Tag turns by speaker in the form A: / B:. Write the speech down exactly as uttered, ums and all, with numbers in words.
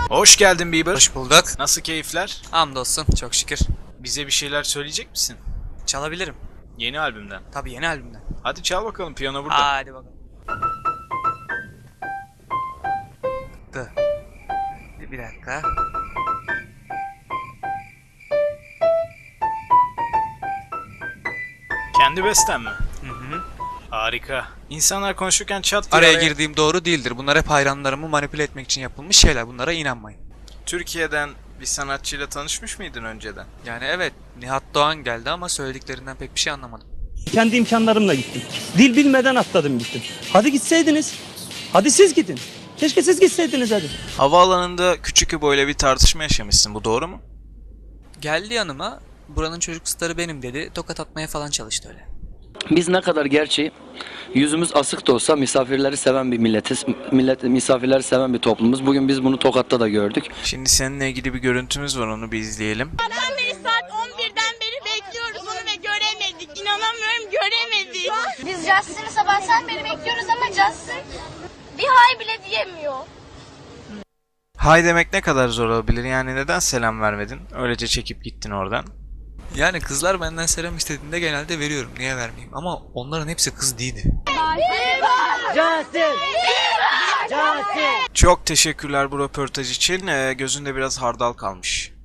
A: Hoş geldin Bieber.
B: Hoş bulduk.
A: Nasıl keyifler?
B: Hamdolsun, çok şükür.
A: Bize bir şeyler söyleyecek misin?
B: Çalabilirim.
A: Yeni albümden.
B: Tabii yeni albümden.
A: Hadi çal bakalım, piyano burada.
B: Hadi bakalım. Dı. Bir, bir dakika.
A: Kendi besten mi?
B: Hı hı.
A: Harika. İnsanlar konuşurken çat diye
B: Araya
A: araya-
B: girdiğim doğru değildir. Bunlar hep hayranlarımı manipüle etmek için yapılmış şeyler. Bunlara inanmayın.
A: Türkiye'den bir sanatçıyla tanışmış mıydın önceden?
B: Yani evet, Nihat Doğan geldi ama söylediklerinden pek bir şey anlamadım.
C: Kendi imkanlarımla gittim. Dil bilmeden atladım gittim. Hadi gitseydiniz. Hadi siz gidin. Keşke siz gitseydiniz hadi.
A: Havaalanında küçük İbo bir tartışma yaşamışsın, bu doğru mu?
B: Geldi yanıma, buranın çocuk starı benim dedi. Tokat atmaya falan çalıştı öyle.
D: Biz ne kadar gerçi yüzümüz asık da olsa misafirleri seven bir milletiz. Millet, misafirleri seven bir toplumuz. Bugün biz bunu Tokat'ta da gördük.
A: Şimdi seninle ilgili bir görüntümüz var, onu bir izleyelim.
E: Sabahtan beri saat on birden beri bekliyoruz onu ve göremedik. İnanamıyorum, göremedik.
F: Biz Justin'i sabahtan beri bekliyoruz ama Justin bir hay bile diyemiyor.
A: Hay demek ne kadar zor olabilir, yani neden selam vermedin? Öylece çekip gittin oradan.
B: Yani kızlar benden selam istediğinde genelde veriyorum. Niye vermeyeyim? Ama onların hepsi kız değildi.
A: Çok teşekkürler bu röportaj için. Ee, gözünde biraz hardal kalmış.